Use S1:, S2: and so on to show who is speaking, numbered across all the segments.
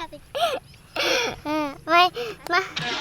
S1: จับสิไม่มา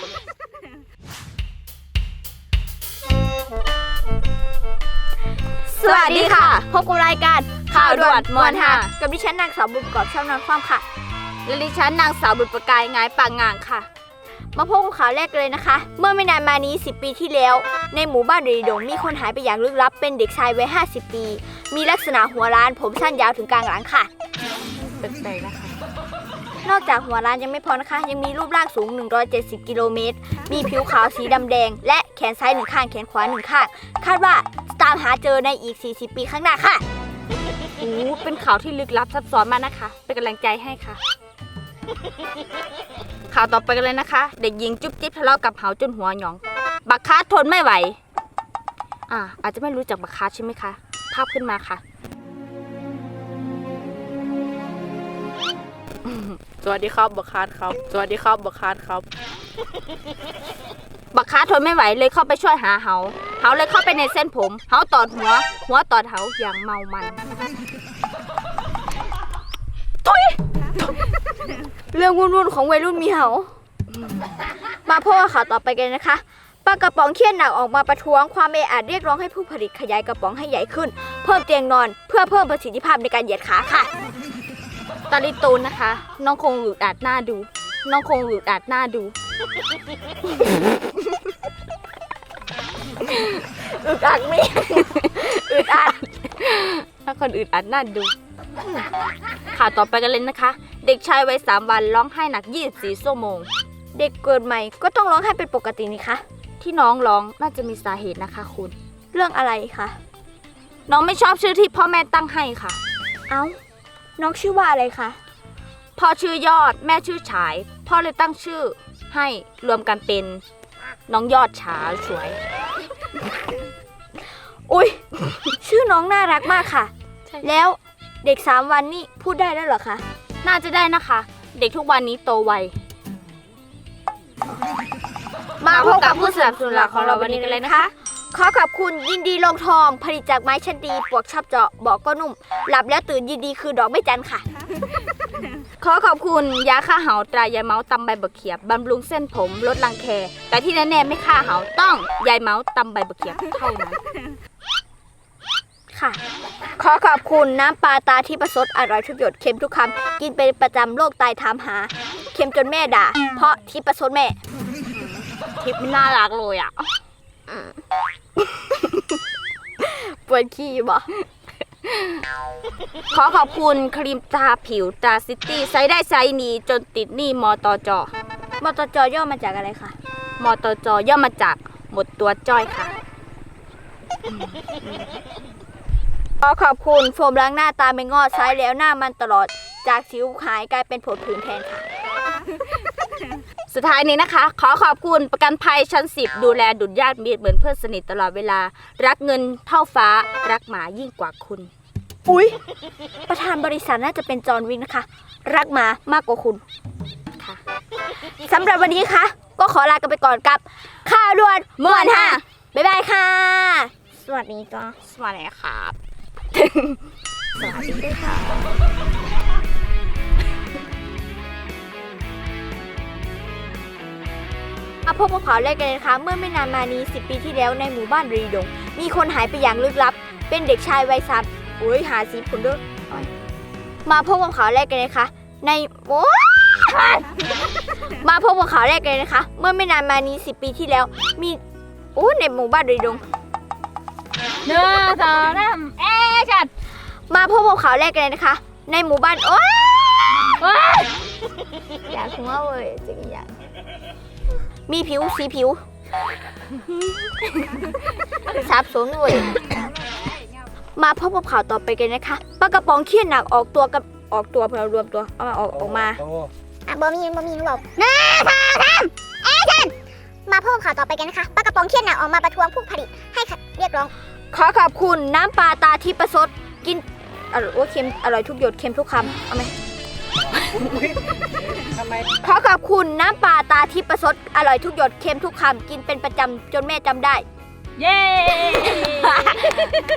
S2: สวัสดีค่ะพบกับรายการข่าวด่วนมวนค่ะกับดิฉันนางสาวบุญกอบช่างนอนความค่ะและดิฉันนางสาวบุญประกายงายปางงางค่ะมาพบกับข่าวแรกเลยนะคะเมื่อไม่นานมานี้10 ปีที่แล้วในหมู่บ้านรีดงมีคนหายไปอย่างลึกลับเป็นเด็กชายวัย50 ปีมีลักษณะหัวล้านผมสั้นยาวถึงกลางหลังค่ะแปลกๆนะคะนอกจากหัวล้านยังไม่พอนะคะยังมีรูปร่างสูง170 กิโลเมตรมีผิวขาวสีดำแดงและแขนซ้าย1ข้างแขนขวา1ข้างคาดว่าตามหาเจอในอีก40 ปีข้างหน้าค่ะโอ้เป็นข่าวที่ลึกลับซับซ้อนมากนะคะเป็นกำลังใจให้ค่ะข่าวต่อไปกันเลยนะคะเด็กหญิงจุ๊บจิ๊บทะเลาะกับเหาจนหัวหยองบักคาทนไม่ไหวอาจจะไม่รู้จักบักคาใช่ไหมคะภาพขึ้นมาค่ะ
S3: สวัสดีครับบักคาร์ดครับสวัสดีครับบักคาร์ดครับ
S2: บักคาทนไม่ไหวเลยเข้าไปช่วยหาเหาเลยเข้าไปในเส้นผมเหาตอดหัวตอดเหาอย่างเมามันทุยเรื่องวุ่นๆของวัยรุ่นมีเหามาพบกับข่าวต่อไปกันนะคะปลากระป๋องเครียดหนักออกมาประท้วงความเออาจเรียกร้องให้ผู้ผลิตขยายกระป๋องให้ใหญ่ขึ้นเพิ่มเตียงนอนเพื่อเพิ่มประสิทธิภาพในการเหยียดขาค่ะตาลิตูนนะคะน้องคงอึดอัดหน้าดูอึดอัดไหมอึดอัดถ้าคนอึดอัดน่าดูข่าวต่อไปกันเลยนะคะเด็กชายวัย3 วันร้องไห้หนัก24 ชั่วโมงเด็กเกิดใหม่ก็ต้องร้องไห้เป็นปกตินี่คะที่น้องร้องน่าจะมีสาเหตุนะคะคุณเรื่องอะไรคะน้องไม่ชอบชื่อที่พ่อแม่ตั้งให้ค่ะเอ้าน้องชื่อว่าอะไรคะพ่อชื่อยอดแม่ชื่อฉายพ่อเลยตั้งชื่อให้รวมกันเป็นน้องยอดฉาสวยอุ๊ยชื่อน้องน่ารักมากค่ะแล้วเด็ก3 วันนี่พูดได้แล้วเหรอคะน่าจะได้นะคะเด็กทุกวันนี้โตไวมาพบกับผู้สนับสนุนหลักของเราวันนี้กันเลยนะคะขอขอบคุณยินดีลงทองผลิตจากไม้ชั้นดีปวกชอบเจาะบอกก็นุ่มหลับแล้วตื่นยินดีคือดอกไม่จันค่ะขอขอบคุณยาฆ่าเหาตรายายเมาส์ตำใบบักเขียบบำรุงเส้นผมลดรังแคแต่ที่แน่ๆไม่ฆ่าเหาต้องยายเมาส์ตำใบบักเขียบเท่านั้นค่ะขอขอบคุณน้ำปลาตาที่ประสดอร่อยทุกหยดเค็มทุกคำกินเป็นประจำโรคไตถามหาเค็มจนแม่ด่าเพราะที่ประสดแม่ทิปน่ารักเลยอ่ะปวดขี้บ่ขอขอบคุณครีมทาผิวตราซิตี้ใช้ได้ใช้ดีจนติดหนี้มตจย่อมาจากอะไรคะมตจย่อมาจากหมดตัวจ้อยค่ะขอขอบคุณโฟมล้างหน้าตาไม่งอดใช้แล้วหน้ามันตลอดจากสิวหายกลายเป็นผดผื่นแทนค่ะสุดท้ายนี้นะคะขอขอบคุณประกันภัยชั้น10ดูแลดุจญาติมิตรเหมือนเพื่อนสนิทตลอดเวลารักเงินเท่าฟ้ารักหมายิ่งกว่าคุณอุ๊ยประธานบริษัทน่าจะเป็นจอห์นวิกนะคะรักหมามากกว่าคุณค่ะสำหรับวันนี้ค่ะก็ขอลากันไปก่อนกับข่าวด่วนม่วนค่ะบ๊ายบายค่ะสวัสดีจ้าสวัสดีครับสวัสดีค่ะมาพบกับข่าวแรกกันเลยนะคะเมื่อไม่นานมานี้10 ปีที่แล้วในหมู่บ้านรีดงมีคนหายไปอย่างลึกลับเป็นเด็กชายวัย3หาสีผลด้วยมาพบกับข่าวแรกกันเลยค่ะในมาพบกับข่าวแรกกันเลยนะคะเมื่อไม่นานมานี้10 ปีที่แล้วมีในหมู่บ้านรีดง1 2 3แอคชั่นมาพบกับข่าวแรกกันเลยนะคะในหมู่บ้านอยากหัวเว้ยจริงอย่างมีสีผิวสับสนเลยมาพบกับข่าวต่อไปกันนะคะปลากระป๋องเครียดหนักออกตัวพอรวมตัวเอามาออกมา
S1: บอมีหนูบอก1 2 3แอคชั่นมาพบกับข่าวต่อไปกันนะคะปลากระป๋องเครียดหนักออกมาประท้วงผู้ผลิตให้เรียกร้อง
S2: ขอขอบคุณน้ำปลาตาที่ประสดกินเค็มอร่อยทุกหยดเค็มทุกคำเอาไหมขอขอบคุณน้ำปลาตาที่ประสดอร่อยทุกหยดเค็มทุกคำกินเป็นประจำจนแม่จำได้เย้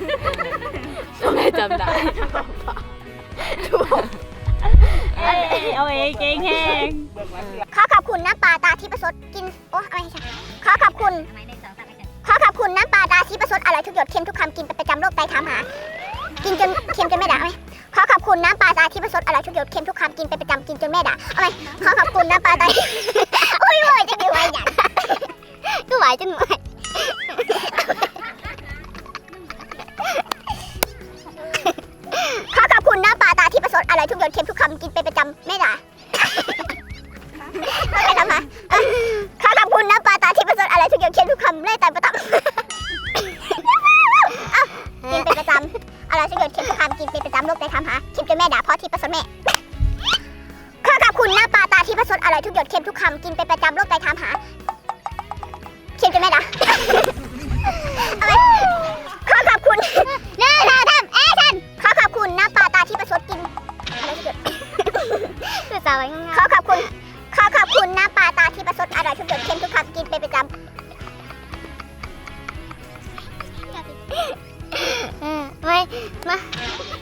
S2: จนแม่จำได้เอาเองเก่งแห้ง
S1: ขอขอบคุณน้ำปลาตาที่ประสดกินโอ้อะไรใช่ขอขอบคุณน้ำปลาตาที่ประสดอร่อยทุกหยดเค็มทุกคำกินเป็นประจำโรคไตถามหากินจนเค็มจนไม่ด่าไหมขอขอบคุณน้ำปลาตาที่ประสดอร่อยทุกหยดเค็มทุกคำกินเป็นประจำกินจนแม่ด่าเอาไหมขอขอบคุณน้ำปลาตาที่ โอ้ยไหวจะดูไหวอย่างก็ไหวจนไหวขอขอบคุณน้ำปลาตาที่ประสดอร่อยทุกหยดเค็มทุกคำกินเป็นประจำแม่ด่าไม่ทำมาขอขอบคุณน้ำปลาตาที่ประสดอร่อยทุกหยดเค็มทุกคำไล่แต่ประจำกินเป็นประจำอร่อยทุกหยดเค็มทุกคำกินเป็นประจำโรคไตถามหาเค็มจนแม่ด่าเพราะที่ประสดแม่ขอขอบคุณน้ำปลาตาที่ประสดอร่อยทุกหยดเค็มทุกคำกินเป็นประจำโรคไตถามหาเค็มจนแม่ด่าเอาไหมขอขอบคุณขอขอบคุณน้ำปลาตาที่ประสดกินอะไรทุกหยดคือสาวไว้งงขอขอบคุณน้ำปลาตาที่ประสดอร่อยทุกหยดเค็มทุกคำกินเป็นประจำไม่มา